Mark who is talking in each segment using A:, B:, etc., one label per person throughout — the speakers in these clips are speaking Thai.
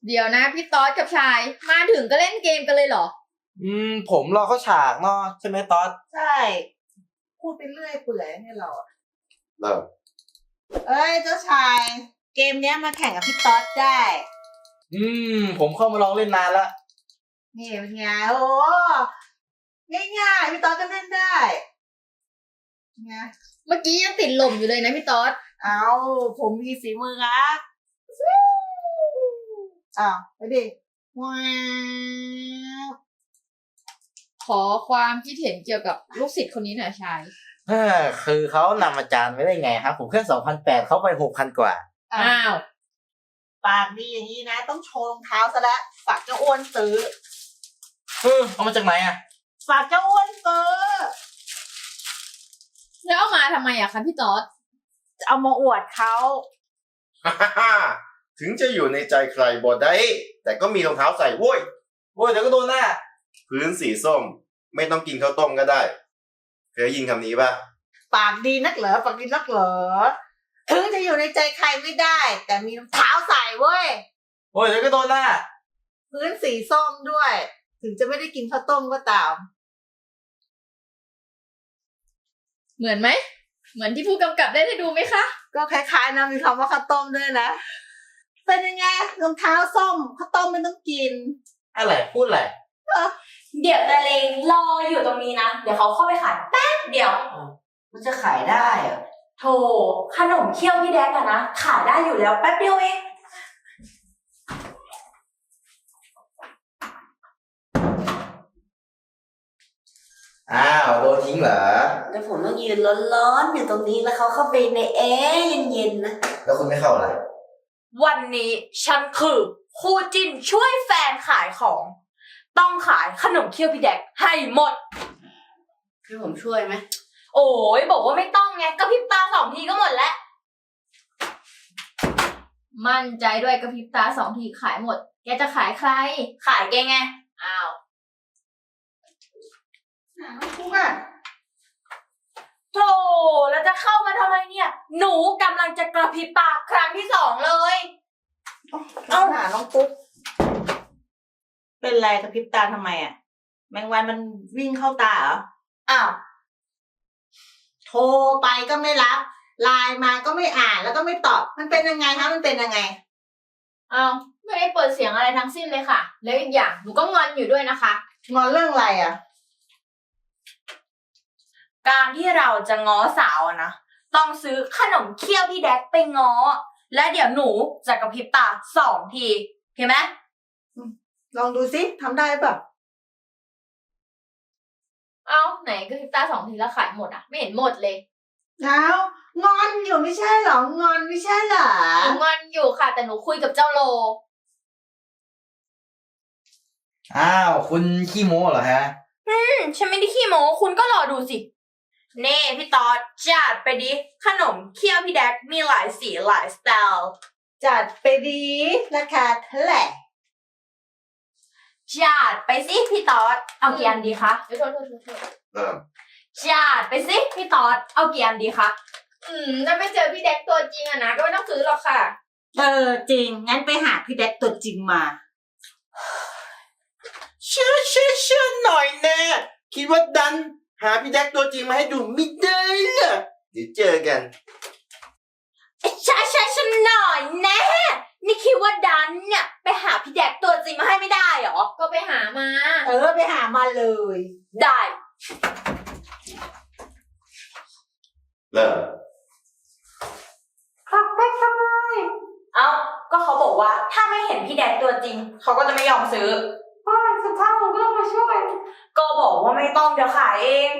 A: เดี๋ยวนะพี่ต๊อดกับชายมาถึงก็เล่นเกมกันเลยเหรอ
B: ผมรอเข้าฉากเนาะใช่ไหมต๊อด
C: ใช่พูดไปเรื่อยเปื่อยเนี่ยเราอะ
D: เริ่ม
C: เอ้ยเจ้าชายเกมเนี้ยมาแข่งกับพี่ต๊อดได้
B: ผมเข้ามาลองเล่นนานละ
C: นี่เป็นไงโอ้ง่ายๆพี่ต๊อดก็เล่นได้ไง
A: เมื่อกี้ยังติดลมอยู่เลยนะพี่ต๊อด
C: เอาผมมีฝีมือครับอ้าวไปดิว้าว
A: ขอความคิดเห็นเกี่ยวกับลูกศิษย์คนนี้หน่อยชาย
B: คือเขานำอาจารย์ไว้ได้ไงครับผมแค่2,800เขาไป6,000กว่า
A: อ้าว
C: ปากดีอย่างนี้นะต้องโชว์รองเท้าซะแล้วฝากเจ้าอ้วนซื้อ
B: เอามาจากไหนอ่ะ
C: ฝากเจ้าอ้วนซื้อ
A: แล้วเอามาทำไมอะคะพี่ต๊อด
C: เอามาอวดเขา
D: ถึงจะอยู่ในใจใครบ่ได้แต่ก็มีรองเท้าใส่โว้ย
B: เดี๋ยวก็โดนหน้า
D: พื้นสีส้มไม่ต้องกินข้าวต้มก็ได้เคยยินคำนี้ป่ะ
C: ปากดีนักเหรอปากดีนักเหรอถึงจะอยู่ในใจใครไม่ได้แต่มีรองเท้าใส่เว้ย
B: เดี๋ยวก็โดนหน้า
C: พื้นสีส้มด้วยถึงจะไม่ได้กินข้าวต้มก็ตาม
A: เหมือนไหมเหมือนที่ผู้กำกับได้ดูไหมคะ
C: ก็คล้ายๆนะมีคำว่าข้าวต้มด้วยนะเป็นยังไงรองเท้าส้มข้าวต้มไม่ต้องกิน
B: อะไรพูดอะไร
E: เดี๋ยวตะเลงรออยู่ตรงนี้นะเดี๋ยวเขาเข้าไปขายแป๊บเดียว
C: มันจะขายได้อะ
E: โธ่ขนมเคี้ยวพี่แดกอะนะขายได้อยู่แล้วแป๊บเดียวเอง
B: โดนทิ้งเหรอ
C: แล้วผมต้องยืนร้อนๆอยู่ตรงนี้แล้วเขาเข้าไปในแอร์เย็นๆนะ
B: แล้วคุณไม่เข้าเหรอ
E: วันนี้ฉันคือคู่จิ้นช่วยแฟนขายของต้องขายขนมเคี้ยวพี่แดกให้หมด
C: คือผมช่วยไหม
E: โอ้ยบอกว่าไม่ต้องไงกระพริบตา2 ทีก็หมดแล้ว
A: มั่นใจด้วยกระพริบตา2 ทีขายหมดแกจะขายใคร
E: ขายแกไง
A: อ้าว
C: พูดอ่ะ
E: โธ่แล้วจะเข้ามาทำไมเนี่ยหนูกำลังจะกระพริบตาครั้งที่2เลย
C: เอาหาน้องปุ๊บเป็นไรกระพริบตาทำไมอ่ะแมงวันมันวิ่งเข้าตาเหรอ
E: อ้าว
C: โทรไปก็ไม่รับไลน์มาก็ไม่อ่านแล้วก็ไม่ตอบมันเป็นยังไงคะมันเป็นยังไง
A: อ้าวไม่ได้เปิดเสียงอะไรทั้งสิ้นเลยค่ะแล้วอีกอย่างหนูก็งอนอยู่ด้วยนะคะ
C: งอนเรื่องอะไรอ่ะ
E: การที่เราจะง้อสาวนะต้องซื้อขนมเคี้ยวพี่แดกไปง้อและเดี๋ยวหนูจะกระพริบตา2 ทีเห็นไหม
C: ลองดูสิทำได้ป่ะ
A: ไหนกระพริบตา2 ทีแล้วขายหมดอ่ะไม่เห็นหมดเลย
C: แล้วงอนอยู่ไม่ใช่หรองอนไม่ใช่เหรอ
A: งอนอยู่ค่ะแต่หนูคุยกับเจ้าโล
B: คุณขี้โม้เหรอฮะ
E: ฉันไม่ได้ขี้โม้คุณก็รอดูสิเน่พี่ต๊อดจัดไปดิขนมเคี้ยวพี่แดกมีหลายสีหลายสไตล์
C: จัดไปดิราคาเท่าไหร่
E: จัดไปสิพี่ต๊อดเอากี่อันดีคะ
A: โทษ
E: จัดไปสิพี่ต๊อดเอากี่อันดีคะ
A: ถ้าไม่เจอพี่แดกตัวจริงอะนะก็ไม่ต้องซื้อหรอกค่ะ
C: จริงงั้นไปหาพี่แดกตัวจริงมา
B: เชื่อหน่อยแน่คิดว่าดันหาพี่แดกตัวจริงมาให้ดูไม่ได้เหรอเดี๋ยวเจอกัน
E: ใช่ฉันหน่อยแน่นี่คิดว่าดันเนี่ยไปหาพี่แดกตัวจริงมาให้ไม่ได้หรอ
A: ก็ไปหามา
C: ไปหามาเลย
E: ได้
D: เริ่ม
E: ครับได้ทำไมก็เขาบอกว่าถ้าไม่เห็นพี่แดกตัวจริงเขาก็จะไม่ยอมซื้อ
C: สุดท้ายผมก็ต้องมาช่วย
E: ก็บอกว่าไม่ต้องเดี๋ยวขายเอง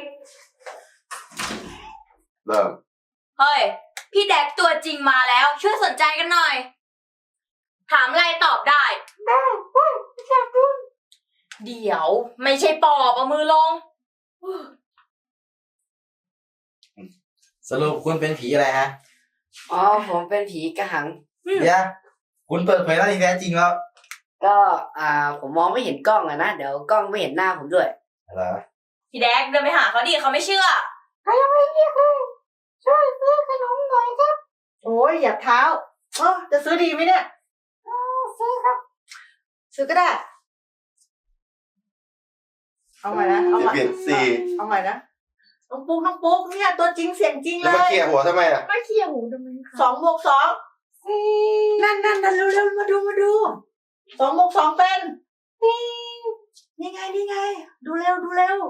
D: เริ่ม
E: เฮ้ยพี่แดกตัวจริงมาแล้วช่วยสนใจกันหน่อยถามอะไรตอบได้
C: ไม่ใช่คุณ
E: เดี๋ยวไม่ใช่ปอบเอามือลง
B: สรุปคุณเป็นผีอะไรฮะ
C: ผมเป็นผีกระหัง
B: เดี๋ยวคุณเปิดเผยหน้าที่แท้จริงแล้ว
C: ก็ผมมองไม่เห็นกล้องนะเดี๋ยวกล้องไม่เห็นหน้าผมด้วย
B: อะไร
E: พี่แดกเดินไปหาเขาดิเขาไม่เชื่อ
C: ใครยังไม่เรียกเลยช่วยซื้อขนมหน่อยครับโอ้ยอย่าเท้าจะซื้อดีไหมเนี่ยซื้อครับซื้อก็ได้ เอาใหม่นะเอาใหม่
D: เปลี่ยนสี่
C: เอาใหม่นะน้องปุ๊กเนี่ยตัวจริงเสียงจริงเล
D: แล้วมาย เคลียร์หัวทำไมอ่ะ
A: ไม่เคลียร์หูทำไมคะ
C: 2 บวก 2นั่นเร็วมาดู2 บวก 2เป็นนี่ไงดูเร็ว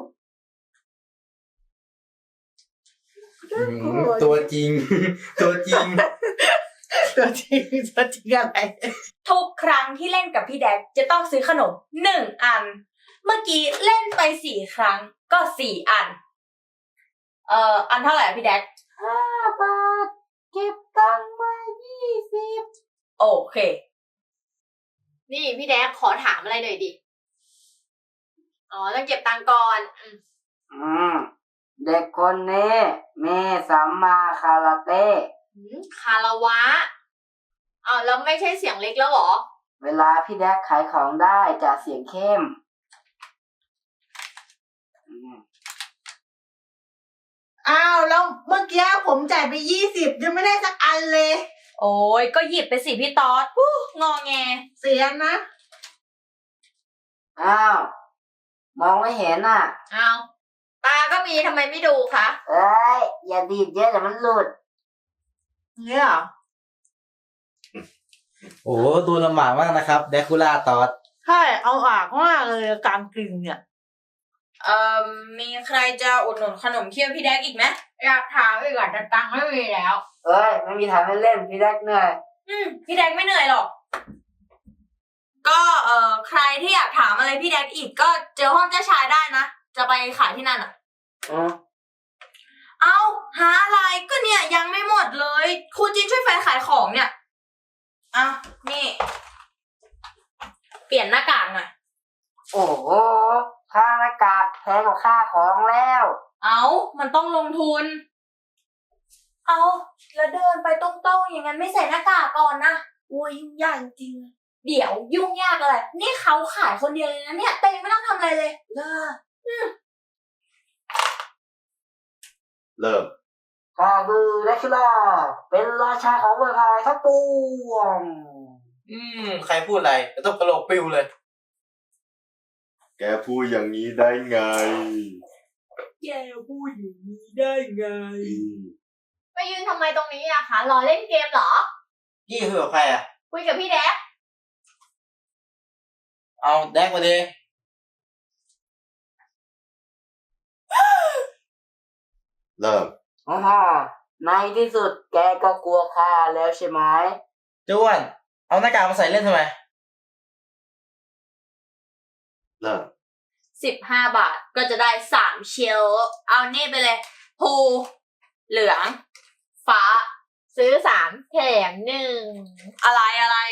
B: ตัวจริง ตัวจริง
C: ตัวจริงอะไร
E: ทุกครั้งที่เล่นกับพี่แดกจะต้องซื้อขนม1 อัน เมื่อกี้เล่นไป4 ครั้งก็4 อัน อันเท่าไหร่อะพี่แดก
C: 5 บาทเก็บตังค์มา20
E: โอเค
A: นี่พี่แดกขอถามอะไรหน่อยดิ อ๋อต้องเก็บตังค์ก่อน
F: เด็กคนนี้มีสัมมาคาราเต้
A: คาราวะอ้าวแล้วไม่ใช่เสียงเล็กแล้วเหรอ
F: เวลาพี่แดกขายของได้จะเสียงเข้ม
C: อ้าวแล้วเมื่อกี้ผมจ่ายไป20ยังไม่ได้สักอันเลย
E: โอ้ยก็หยิบไปสิพี่ต๊อดงอแง
C: เสียนะ
F: อ้าว มองไม่เห็นอ่ะ
A: อ้าวตาก็มีทำไมไม่ดูคะ
F: เอ้ย อย่าดีดเยอะเดี๋ยวมันหลุด
C: เนี่ยเหรอ
B: โอ้ดูลำบากมากนะครับแดคูล่าตอด
C: ใช่เอาอากมากเลยการกินเนี่ย
E: มีใครจะอุดหนุนขนมเคี้ยวพี่แดกอีกไหม
A: อยากถามอีกอ่ะแต่ตังค์ไม่มีแล้ว
F: เอ้ย ไม่มีทางให้เล่นพี่แดกเหนื่อย
E: พี่แดกไม่เหนื่อยหรอก ก็ใครที่อยากถามอะไรพี่แดกอีกก็เจอห้องเจ้าชายได้นะ จะไปขายที่นั่นอ่ะ เอาหาอะไรก็เนี่ยยังไม่หมดเลยครูจินช่วยแฟนขายของเนี่ยเอานี่ เปลี่ยนหน้ากากหน่อย
F: โอ้โห ค่าหน้ากากแพงกว่าค่าของแล้ว
E: เอามันต้องลงทุน เอาแล้วเดินไปตรงๆอย่างนั้นไม่ใส่หน้ากากก่อนนะโอ้ยยุ่งยากจริงๆเดี๋ยวยุ่งยากอะไรนี่เขาขายคนเดียวเลยนะเนี่ยแต่ยังไม่ต้องทำอะไรเลย
D: เริ่ม
F: ข้าคือแดกคิล่าเป็นราชาของเมืองไทยทั้งปวง
B: ใครพูดอะไรต้องกระโหลกปิวเลย
D: แกพูดอย่างนี้ได้ไง
C: แกพูดอย่างนี้ได้ไง
A: ไปยืนทำไมตรงนี้อะคะรอเล่นเกมเหรอ
B: ยี่คือกับใครอ่ะ
A: คุยกับพี่แดก
B: เอาแดกมาดิ
D: เริ่ม
F: อ๋อในที่สุดแกก็กลัวข้าแล้วใช่ไหม
B: เจ้าอ้วนเอาหน้ากากมาใส่เล่นทำไม
D: เริ่ม
E: 15 บาทก็จะได้3เชลเอานี่ไปเลยภูเหลือง ฟ้า
A: ซื้อ3แถม1
E: อะไร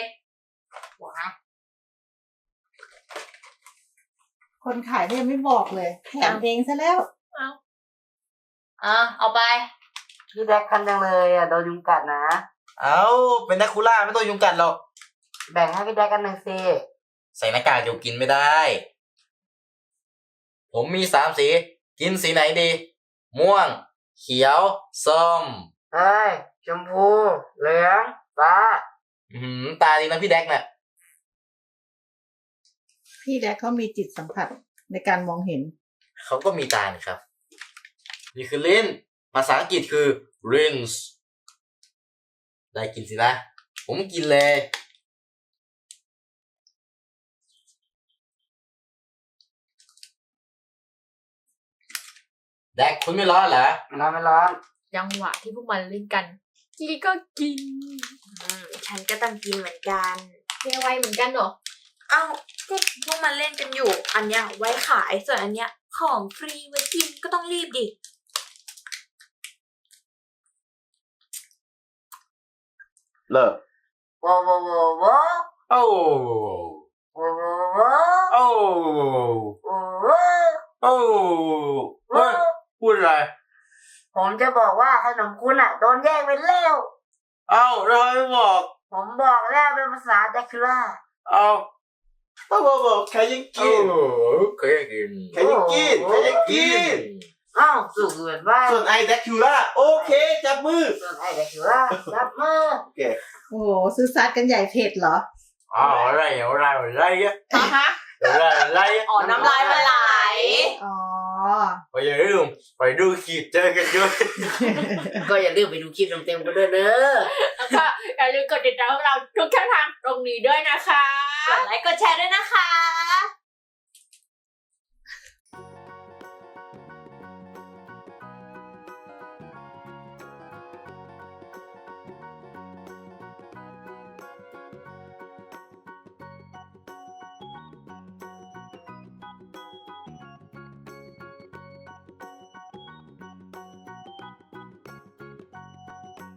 C: คนขายเนี่ยไม่บอกเลยแถมเพลงซะแล้ว
E: เอาไป
F: พี่แดกคันจังเลยอ่ะโดนยุงกัดนะ
B: เอาเป็นแดคูล่าไม่ต้องยุงกัดหรอก
F: แบ่งให้พี่แดกกันหนึ่งสิ
B: ใส่หน้ากากอยู่กินไม่ได้ ผมมี3 สี กินสีไหนดี ม่วง เขียว ส้ม
F: เฮ้ย ชมพู เหลือง ฟ้า
B: ตาดีนะพี่แดกน่ะ
C: พี่แดกเขามีจิตสัมผัสในการมองเห็น
B: เขาก็มีตานี่ครับ นี่คือลิ้น ภาษาอังกฤษคือ rinse ได้กินสินะ ผมกินเลย แดกคุณไม่ร้อนเหรอ
F: ไม่ร้อน
A: จังหวะที่พวกมันเล่นกันจีก็กิน
E: ฉันก็ต้องกินเหมือนกัน
A: เรียกไวเหมือนกันเหรอ
E: เอ้าก็พวกมันเล่นกันอยู่ อันเนี้ยไว้ขาย ส่วนอันเนี้ยของฟรีไว้กินก็ต้องรีบดิ
D: เริ่ม
F: โว้โว้โว้โว้
B: โอ้
F: โว้โว้โว้
B: โอ้
F: โว้โว้
B: โอ้เฮ้ยพูดอะไร
F: ผมจะบอกว่าขนมคุณอ่ะโดนแย่งไปแล้ว
B: เอ้าเราไม่บอก
F: ผมบอกแล้วเป็นภาษาแดกคิล่า
B: เอ้า
D: บอกใครยังกิน
B: เคยกิน
D: ใครยังกิน ใครยังกิน
F: อ้าวสุกเหมือนบ้าน
D: ส่วนไอแดคูล่าโอเค จับมือ
F: ส่วนไอ้แดกคิล่าจับมือ
C: โอ้โหซื้อซัดกันใหญ่เผ็ดเหรอ
F: ผ
B: อะไรอะ
A: ฮะ
B: อะไรอะ
A: อ๋อน้ำลายมันไหล
C: อ๋อ
B: ไปอย่าลืมไปดูคลิปเจอกันด้วย
F: ก็อย่าลืมไปดูคลิปเต็มๆกันด้วยเนอะ
A: แล้วก็อย่าลืมกดติดตามพวกเราทุกช่องทางตรงนี้ด้วยนะคะ
E: กดไลค์กดแชร์ด้วยนะคะ